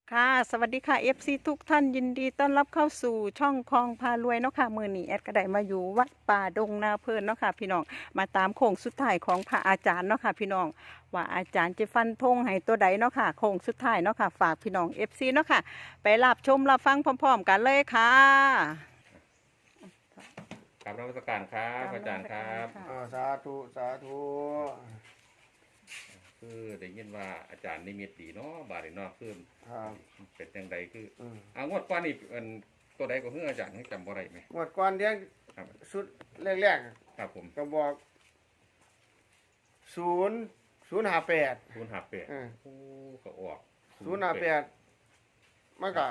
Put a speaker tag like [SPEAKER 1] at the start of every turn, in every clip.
[SPEAKER 1] ค่ะสวัสดีค่ะ FC ทุกท่านยินดีต้อนรับเข้าสู่ช่องคลองพารวยเนาะค่ะมื้อนี้แอดก็ได้มาอยู่วัดป่าดงนาเพลินเนาะค่ะพี่น้องมาตามโค้งสุดท้ายของพระอาจารย์เนาะค่ะพี่น้องว่าอาจารย์จะฟันธงให้ตัวใดเนาะค่ะโค้งสุดท้ายเนาะค่ะฝากพี่น้อง FC เนาะค่ะไปรับชมรับฟังพร้อมๆกันเลยค่ะ
[SPEAKER 2] กราบนมัสการครับอาจารย์ครับ
[SPEAKER 3] สาธุสาธุ
[SPEAKER 2] คือได้ยินว่าอาจารย์นิมิตดีเนาะบาดนี้เนาะคือ
[SPEAKER 3] ครับ
[SPEAKER 2] เป็นจังใดคือ
[SPEAKER 3] อืม
[SPEAKER 2] งวดก่อนนี่เป็นตัวใดก็เฮืออาจารย์ให้จำบ่ได้ไหม
[SPEAKER 3] งวดก่อนเลี้ยง
[SPEAKER 2] ครับ
[SPEAKER 3] ชุดแรก
[SPEAKER 2] ครับผม
[SPEAKER 3] ๆก็บอก058
[SPEAKER 2] 058โอ้ก็ออก
[SPEAKER 3] 058มันก็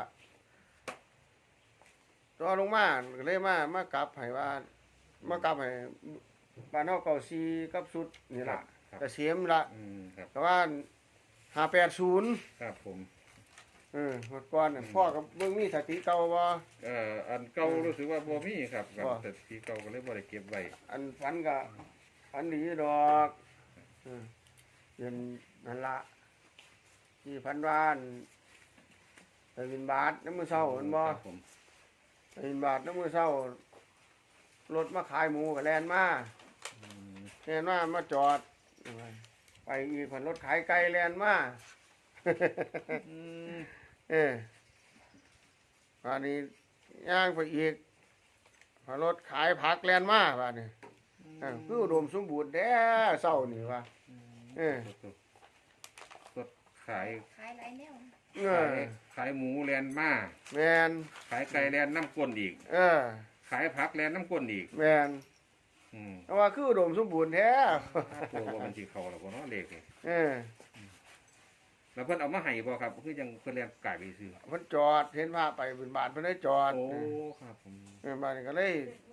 [SPEAKER 3] ตัวลงมาก็เลยมากลับให้ว่ามากลับให้บ้านเฮาเก่าซีกับชุดนี่
[SPEAKER 2] ครั
[SPEAKER 3] ล่ะ
[SPEAKER 2] บครับ
[SPEAKER 3] แต่เสียมละ
[SPEAKER 2] ครับ
[SPEAKER 3] แต่ว่า580
[SPEAKER 2] ครับผม
[SPEAKER 3] งวดก่อนน่ะพ่อกับเบิ่งมีสติเก่าบ่
[SPEAKER 2] อันเก่ารู้สึกว่าบ่มีครับ
[SPEAKER 3] บ่
[SPEAKER 2] แต่ที่เก่าก็เลยบ่ได้เก็บไว้
[SPEAKER 3] อันฝันก็ฝันดีดอกเย็นนั่นละที่พันวานไปบินบาทน้ำมือเศร้าเห็นบ่
[SPEAKER 2] ครับผม
[SPEAKER 3] ไปบินบาทน้ำมือเศร้ารถมาขายหมูกับแลนมา
[SPEAKER 2] อืม
[SPEAKER 3] แลนมาจอด ไปอีกผันรถขายไก่แลนมา
[SPEAKER 2] อืม
[SPEAKER 3] อันนี้ย่างไปอีกผันรถขายผักแลนมาบ้านนี้คืออุดมสมบูรณ์แด้เศร้านี่ว่า
[SPEAKER 2] สดขาย
[SPEAKER 4] ขายหลายแนว
[SPEAKER 2] ขายหมูแลนมา
[SPEAKER 3] แมน
[SPEAKER 2] ขายไก่แลนน้ำก้นอีก ขายผักแลนน้ำก้นอีก
[SPEAKER 3] แมน
[SPEAKER 2] อืม
[SPEAKER 3] เพราะว่าคืออุดมสมบูรณ์แท้
[SPEAKER 2] ตัวว่ามันสิเขาแล้วบ่เนาะเลขนี่
[SPEAKER 3] เออ
[SPEAKER 2] แล้วเพิ่นเอามาให้บ่ครับคือยังเพิ่นแลนกายไปซื้อ
[SPEAKER 3] เพิ่นจอดเห็นพาไปบินบาทเพิ่นได้จอด
[SPEAKER 2] โอ้ครับผม
[SPEAKER 3] บ้านนี้ก็เลย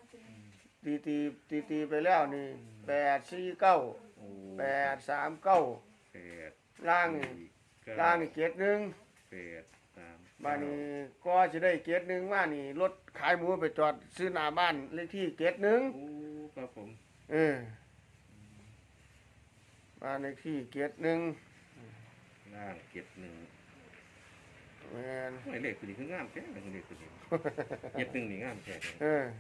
[SPEAKER 3] ตีไปแล้วนี่849
[SPEAKER 2] โอ้
[SPEAKER 3] 839
[SPEAKER 2] แปด
[SPEAKER 3] ล่างนี่ล่างนี่เกตหนึง
[SPEAKER 2] แปดสาม
[SPEAKER 3] บ้านนี้ก็สิได้เกตหนึงมานี่รถขายหมูไปจอดซื้อหน้าบ้านเลขที่เกตหนึง
[SPEAKER 2] โอ้ครับผม
[SPEAKER 3] เออบ้านเลขที่เกตหนึง
[SPEAKER 2] ล่างเก็บหนึ่ง
[SPEAKER 3] แม่น
[SPEAKER 2] ไม่เลขคือนี่คืองามแท้เลยเลขคือนี่เก็บหนึ่งนี่งามแท้เลย
[SPEAKER 3] เออ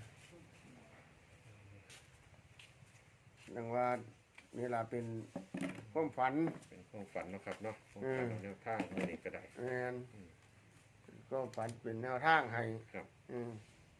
[SPEAKER 3] ดังว่านี่ล่ะเป็นความฝัน
[SPEAKER 2] เป็นความฝันเนาะครับเนาะความฝันแนวทางของนี่ก็ได้
[SPEAKER 3] แม่นก็ฝันเป็นแนวทางให้
[SPEAKER 2] ครับ
[SPEAKER 3] อืม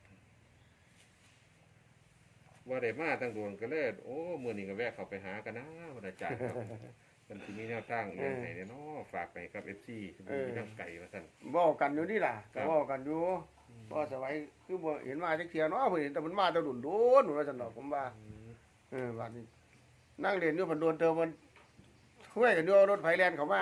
[SPEAKER 2] ว่าได้มาตั้งโดนก็เลยโอ้มื้อนี้ก็แวะเข้าไปหากันนะพระอาจารย์ครับมันสิมีแนวทางอย่างไหนเนาะฝากไปกับ FC ที่มีน้ำไก่ว่าซั่น
[SPEAKER 3] เว้ากันอยู่นี่ล่ะ
[SPEAKER 2] ครั
[SPEAKER 3] ก็
[SPEAKER 2] บ
[SPEAKER 3] เว้ากันอยู่บ่สบายคือบ่เห็นมาจักเที่ยเนาะเพิ่นเห็นแต่มันมาแต่ดุนโดนว่าซั่นดอกผมว่าบัดนี้นั่งเล่นอยู่เพิ่นโดนเติมมันคุยกันอยู่รถไฟแล่นเข้ามา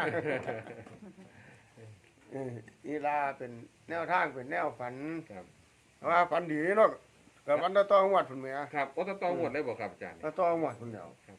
[SPEAKER 3] นี่ล่ะเป็นแนวทางเป็นแนวฝัน
[SPEAKER 2] ครับ
[SPEAKER 3] ว่าฝันดีเนาะก็ฝันต่อๆงวดพุ่นแหม
[SPEAKER 2] ครับโอ้ตองหมดเลยบ่ครับอาจารย์
[SPEAKER 3] ต่อๆงวดพุ่นแล้ว
[SPEAKER 2] ครับ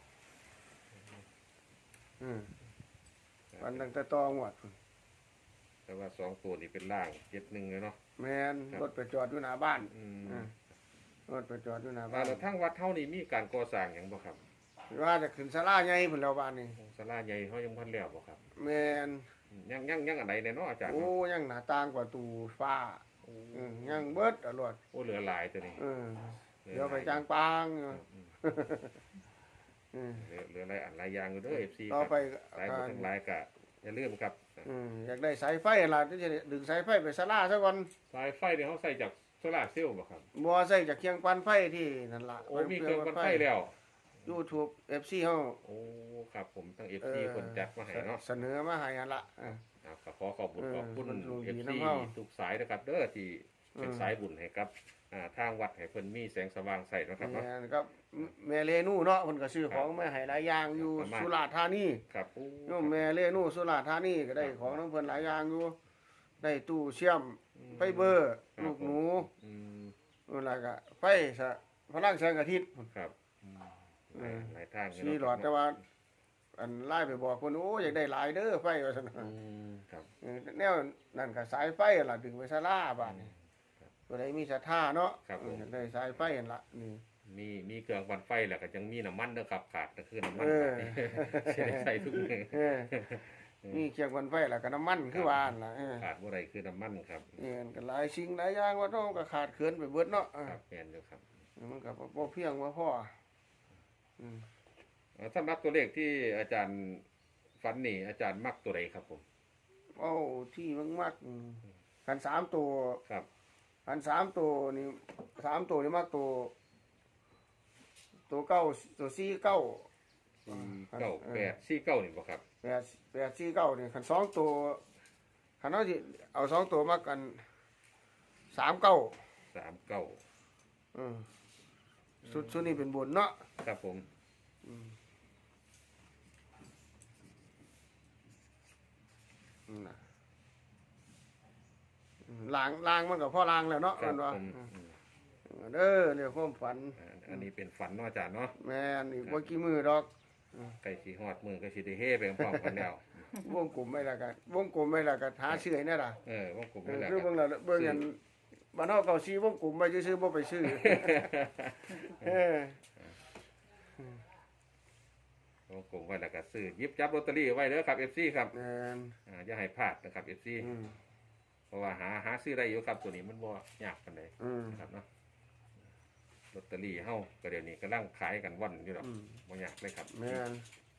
[SPEAKER 3] ฝันตั้งแต่ต่องวดพุ่น
[SPEAKER 2] แต่ว่า2ตัวนี้เป็นล่าง71เลยเนาะ
[SPEAKER 3] แม่น
[SPEAKER 2] ครับ
[SPEAKER 3] รถไปจอดอยู่หน้าบ้าน
[SPEAKER 2] อืม
[SPEAKER 3] รถไปจอดอยู่หน้าบ้าน
[SPEAKER 2] แล้วทางวัดเฮานี่มีการก่อสร้างหยังบ่ครับ
[SPEAKER 3] ว่าจะขึ้นศาลาใหญ่พุ่นแล้วบ้านนี้
[SPEAKER 2] ศาลาใหญ่เฮายังบ่ทันแล้วบ่ครับ
[SPEAKER 3] แม่น
[SPEAKER 2] ยังอันใดแน่เนาะอาจารย์
[SPEAKER 3] โอ้
[SPEAKER 2] เนาะ
[SPEAKER 3] ยังหน้าต่างประตูฟ้า
[SPEAKER 2] โอ้
[SPEAKER 3] ยังเบิดตลอด
[SPEAKER 2] โอ้เหลือหลายตัวนี้
[SPEAKER 3] เดี๋ยวไปจางปางอยู่
[SPEAKER 2] ครับ
[SPEAKER 3] อืม
[SPEAKER 2] เหลือหลายอันหลายอย่างอยู่เด้อ FC
[SPEAKER 3] ต่อไป
[SPEAKER 2] หลายบ่ทั้งหลายก็อย่าลืมครับ
[SPEAKER 3] อยากได้สายไฟล่ะที่จะดึงสายไฟไปศาลาซะก่อน
[SPEAKER 2] สายไฟนี่เฮาใส่จากโซลาร์เซลล์บ่ครับ
[SPEAKER 3] บ่ใส่จากเคียงปั่นไฟที่นั่นล่ะ
[SPEAKER 2] โอ้มีเครื่องปั่นไฟแล้ว
[SPEAKER 3] YouTube FC เฮา
[SPEAKER 2] โอ้ครับผมทั้ง FC เพิ่นจัดมาให้เนาะ
[SPEAKER 3] เสนอมาให้นั่นล่ะ
[SPEAKER 2] ก็ขอขอบคุณขอบคุณ
[SPEAKER 3] มันดูดี
[SPEAKER 2] FC
[SPEAKER 3] น้ำเฮา
[SPEAKER 2] ทุกสายนะครับเด้อที่เป็น
[SPEAKER 3] อืม
[SPEAKER 2] สายบุญให้กับทางวัดให้เพิ่นมีแสงสว่างใส่เนาะครับเนาะ
[SPEAKER 3] แม่นครับแม่เรนูเนาะเพิ่นก็ซื้อของมาให้หลายอย่างอยู่
[SPEAKER 2] ประมาณ
[SPEAKER 3] สุราษฎร์ธานี
[SPEAKER 2] ครับโอ้
[SPEAKER 3] โยมแม่เรนูสุราษฎร์ธานีก็ได้ของน้ำเพิ่นหลายอย่างอยู่ได้ตู้เชื่อมไฟเบอร์ลูกหนู
[SPEAKER 2] อืม
[SPEAKER 3] แล้วก็ไฟสะพลังแสงอาทิตย์
[SPEAKER 2] ครับหลายทาง
[SPEAKER 3] สีหลอดแต่ว่า อันไล่ไปบอกคนโอ้อยากได้หลายเด้อไฟว่าซั่น
[SPEAKER 2] ครับ
[SPEAKER 3] แนวนั่นก็สายไฟล่ะดึงไปศาลาบาดนี้ตัวใดมีศรัทธาเนาะอยากได้สายไฟนั่นล่ะนี่
[SPEAKER 2] มีเครื่องปั่นไฟแล้วก็ยังมีน้ำมันเด้อครับขาดก็คือน้ำมัน
[SPEAKER 3] เออ
[SPEAKER 2] ครับนี่ ใช้ได้ใส่ทุกมื้อ
[SPEAKER 3] เออมีเคียงวันไฟแล้วก็น้ำมันคือว่านั่นล่ะ
[SPEAKER 2] ขาดบ่ได้คือน้ำมันครับ
[SPEAKER 3] ก็หลายสิ่งหลายอย่างว่าต้องก็ขาดเขินไปเบิดเนาะ
[SPEAKER 2] ครับแม่นอยู่ครับ
[SPEAKER 3] มันก็บ่เพียงว่าพออืม
[SPEAKER 2] สำหรับตัวเลขที่อาจารย์ฝันนี่อาจารย์มักตัวใดครับผม
[SPEAKER 3] เอาที่มักกัน3ตัว
[SPEAKER 2] ครับ
[SPEAKER 3] กัน3ตัวนี่3ตัวนี่มักตัวเก้าตัว49
[SPEAKER 2] 49 8 49นี่บ่ครับ
[SPEAKER 3] 849นี่คัน2ตัวคันเฮาสิเอา2ตัวมักกัน39
[SPEAKER 2] 39
[SPEAKER 3] อืมสุดนี้เป็นบนเนาะ
[SPEAKER 2] ครับผม
[SPEAKER 3] น่ะล้างมันก็พอล้างแล้วเนาะ
[SPEAKER 2] ครั
[SPEAKER 3] มั
[SPEAKER 2] บ
[SPEAKER 3] นว่า
[SPEAKER 2] ผม
[SPEAKER 3] เด้อเนี่ยความฝัน
[SPEAKER 2] อันนี้เป็นฝันเนาะอาจารย์เนาะ
[SPEAKER 3] แม่นอีกบ่กี่มื้อดอก
[SPEAKER 2] ใกล้สิฮอดมื้อก็สิได้เฮไปพร้อมกันแล้ว
[SPEAKER 3] วงกลมไม่ละกันวงกลมไม่ละกันหาชื่อให้แน่ล่ะ
[SPEAKER 2] ว่าผมไม่แหละ
[SPEAKER 3] คือเบิ่งแล้วเบิ่งอันบ้านเฮาเก่าซีวงกลมไว้ซื่อๆบ่ไปซื้อเออ
[SPEAKER 2] ว่าผมไว้แล้วก็ซื้อหยิบจับลอตเตอรี่ไว้เด้อครับ FC ครับ
[SPEAKER 3] แม่น
[SPEAKER 2] อย่าให้พลาดนะครับ FC เพราะว่าหาซื้อได้อยู่ครับตัวนี้มันบ่ยากปานใดนะครับเนาะลอตเตอรี่เฮาก็เดี๋ยวนี้กำลังขายกันว่อนอยู่ดอกบ่ยากเลยครับ
[SPEAKER 3] แม่น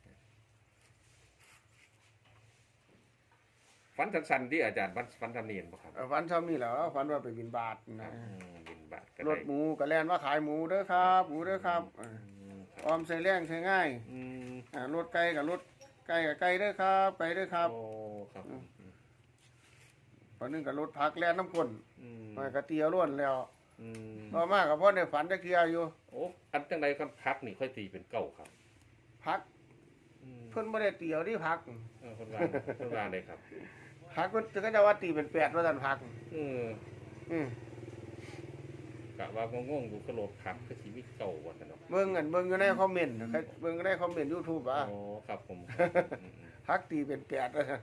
[SPEAKER 2] ฝันสั้นๆที่อาจารย์ฝันทำนี่เห็นบ่ครับ
[SPEAKER 3] ฝันซ้ำนี่แหละฝันว่าไปบิณฑบาตนะ
[SPEAKER 2] บินบาทก็
[SPEAKER 3] ร
[SPEAKER 2] ได้
[SPEAKER 3] ถหมูก็แล่นว่าขายหมูเด้อครับหมูเด้อครับออมใส่แรงใส่ง่ายรถไก่กับรถไก่กับไก่เด้อครับไก่เด้อครับ
[SPEAKER 2] โอ้ครับ
[SPEAKER 3] ตอนนึงกับรถพักแล่นน้ำก้นมันก็เตียวล้วนแล้ว
[SPEAKER 2] อืม
[SPEAKER 3] ต่อมากับพ่อในฝันจะเคลียร์อยู่
[SPEAKER 2] โอ้อันจังใดคันพักนี่ค่อยตีเป็นเก้าครับ
[SPEAKER 3] พักเพิ่นบ่ได้เตียวที่พัก
[SPEAKER 2] คนวางเลยครับ
[SPEAKER 3] พักเพิ่นก็จะว่าตีเป็น8ว่าซั่นพัก อืม
[SPEAKER 2] กะว่างงๆอยู่กระโหลกพักคือสิมีเก้าว่าซั่นเนาะ
[SPEAKER 3] เบิ่งอยู่ในคอมเมนต์เบิ่งในคอมเมนต์ YouTube อ่ะ
[SPEAKER 2] โอ้ครับผม
[SPEAKER 3] พักตีเป็น8ว่าซั่น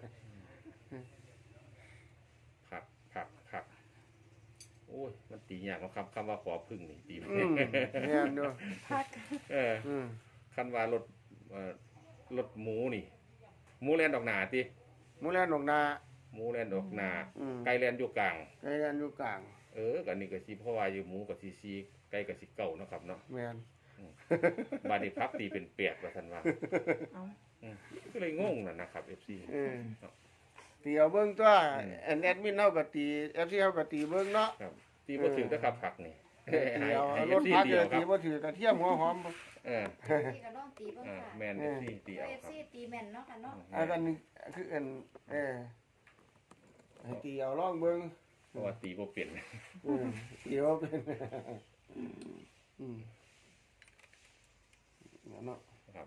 [SPEAKER 2] พักโอ้ยมันตียากเนาะครับคำว่าขอพึ่งนี่ตีบ่
[SPEAKER 3] แม่นอยู่
[SPEAKER 1] พัก
[SPEAKER 2] คันว่ารถหมูนี่หมูแล่นดอกหนาติ
[SPEAKER 3] หมูแลนดอกนา
[SPEAKER 2] หมูแล่นดอกหนาไก่แล่นอยู่กลาง
[SPEAKER 3] ไก่แลนอยู่กลาง
[SPEAKER 2] ก็นี่ก็สิเพราะว่าอยู่หมูก็สิซีไก่ก็สิเก้าเนาะครับเนาะ
[SPEAKER 3] แม่น
[SPEAKER 2] บาดนี้พักตีเป็น8ว่าซั่นว่า
[SPEAKER 1] เอา
[SPEAKER 2] ก็เลยงงนะครับ FC
[SPEAKER 3] ตีเอาเบิ่งตัวแอดมินเฮาก็ตี FC เฮาก็ตีเบิ่งเนาะ
[SPEAKER 2] ครับตีบ่ถึงนะครับผักนี่
[SPEAKER 3] ตีเอา
[SPEAKER 2] ให้
[SPEAKER 3] รถ
[SPEAKER 2] FC
[SPEAKER 3] พัก
[SPEAKER 2] ตี
[SPEAKER 3] ก็
[SPEAKER 2] เอาค
[SPEAKER 3] ตี
[SPEAKER 2] รับ
[SPEAKER 3] บ่ถือกระเทียมหัวหอม
[SPEAKER 4] พี่ก็ลองตีเบ้างค่ะ
[SPEAKER 2] แม่น FC ตีเอา
[SPEAKER 4] เอฟ
[SPEAKER 2] ครับ
[SPEAKER 4] ซีตีแม่นเนาะค่ะเนาะ
[SPEAKER 3] อันนี้คือให้ตีเอาลองเบิ่ง
[SPEAKER 2] เพราะว่าตีบ่เป็น
[SPEAKER 3] ตีเอาเป็นเนาะ
[SPEAKER 2] ครับ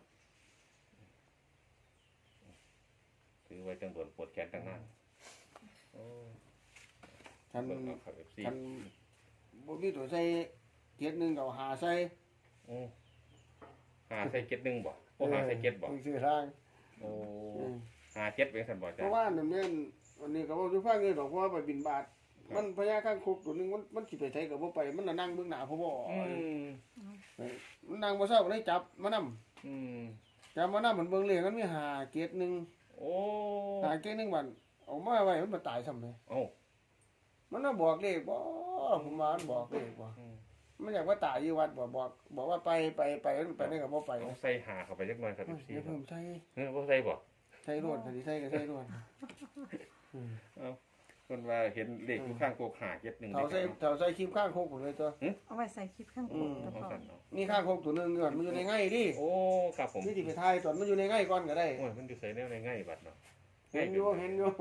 [SPEAKER 2] ถือไว้จังโดนปวดแขนตั้งนานโอ้
[SPEAKER 3] ท่าน
[SPEAKER 2] เบิ่งเอาครับ FC
[SPEAKER 3] ท่านบ่มีตัวใส่เจ็ดหนึงก็เอาหาใส่
[SPEAKER 2] โอ้หาใส่เก็ดหนึงบ่โอ้หาใส่เก็ดบ่
[SPEAKER 3] ชื่อทาง
[SPEAKER 2] โอ้หาเก็ดเป็นซั่นบ่
[SPEAKER 3] เพ
[SPEAKER 2] จ้ะ
[SPEAKER 3] ราะว่านั่นเนี่ยวันนี้ก็บ่อยู่ฟังเลยดอกเพราะว่าไปบินบาตมันพญาข้างคุกตัวนึงมันสิไปไสก็บ่ไปมันน่ะนั่งเบิ่งหน้าพ่อบ่ มันนั่งบ่เศร้าก็ได้จับมานำจับมานำมันเบิ่งเลขมันมีหาเกตหนึง
[SPEAKER 2] โอ้
[SPEAKER 3] หาเกตหนึงบัดเอามาไว้มันบ่ตายซ้ำเลย
[SPEAKER 2] เอ้า
[SPEAKER 3] มันน่ะบอกเลขบ่ผมว่ามันบอกเลขบ่มันอยากว่าตายอยู่วัดบ่บอกว่าไปมันไปได้ก็บ่ไป
[SPEAKER 2] ต้องใส่หาเข้าไปจักหน่อยครับ FC
[SPEAKER 3] เดี๋ยวเพิ่มใส่
[SPEAKER 2] บ่ใส่บ่
[SPEAKER 3] ใส่รวดใส่ก็ใส่รวด
[SPEAKER 2] เอ้าคนว่าเห็นเลขอยู่ข้างโกกหาเก็ดหนึง
[SPEAKER 3] เท่าใส่คลิปข้างโคกพุ่นเลยตัว
[SPEAKER 1] เอาไว้ใส่คลิปข้างบนแล้ว
[SPEAKER 2] เอา
[SPEAKER 1] ก็
[SPEAKER 2] สั่นเนาะ
[SPEAKER 3] มีข้างโคกตัวนึงก่อนมันอยู่ในไง่ดิ
[SPEAKER 2] โอ้ครับผม
[SPEAKER 3] นี่สิไปถ่ายตอนมันอยู่ในไง่ก่อนก็ได้
[SPEAKER 2] โอ้ยมันอยู่ใส่แนวในง่ายบัดเนาะ
[SPEAKER 3] เห็นอยู่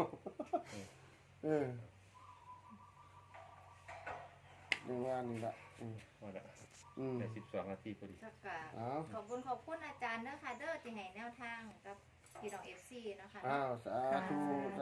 [SPEAKER 3] นี่ว่านี่ละ
[SPEAKER 2] ว่าละแต่12นาทีพอดี
[SPEAKER 4] สักกะขอบคุณอาจารย์เด้อค่ะเด้อที่ให้แนวทางกับพี่น้องเอฟซีเนาะค่ะ
[SPEAKER 3] อ้าวสาธุ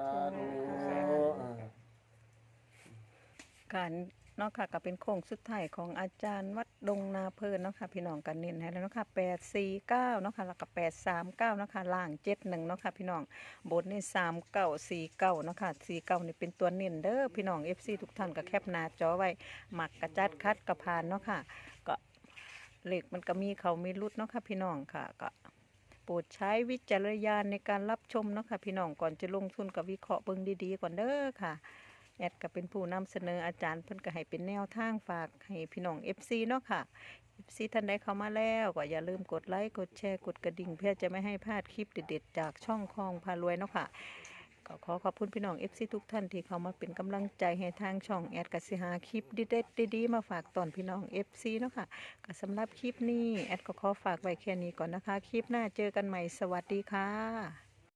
[SPEAKER 1] การเนาะค่ะก็เป็นโค้งสุดท้ายของอาจารย์วัดดงนาเพลินเนาะค่ะพี่น้องกันเน้นให้แล้วเนาะค่ะ849เนาะค่ะแล้วก็839เนาะค่ะล่าง71เนาะค่ะพี่น้องบนนี่3949เนาะค่ะ49นี่เป็นตัวเน้นเด้อพี่น้อง FC ทุกท่านก็แคปหน้าจอไว้หมักกระจัดคัดกระพานเนาะค่ะก็เลขมันก็มีเขามีรุดเนาะค่ะพี่น้องค่ะก็โปรดใช้วิจารณญาณในการรับชมเนาะค่ะพี่น้องก่อนจะลงทุนกับวิเคราะห์เบิ่งดีๆก่อนเด้อค่ะแอดก็เป็นผู้นำเสนออาจารย์เพิ่นก็ให้เป็นแนวทางฝากให้พี่น้อง FC เนาะค่ะ FC ท่านใดเข้ามาแล้วก็อย่าลืมกดไลค์กดแชร์กดกระดิ่งเพื่อจะไม่ให้พลาดคลิปเด็ดๆจากช่องคลองพารวยเนาะค่ะก็ขอขอบคุณพี่น้อง FC ทุกท่านที่เข้ามาเป็นกำลังใจให้ทางช่องแอดกสิหาคลิปเด็ดๆดีๆมาฝากตอนพี่น้อง FC เนาะค่ะก็สำหรับคลิปนี้แอดก็ขอฝากไว้แค่นี้ก่อนนะคะคลิปหน้าเจอกันใหม่สวัสดีค่ะ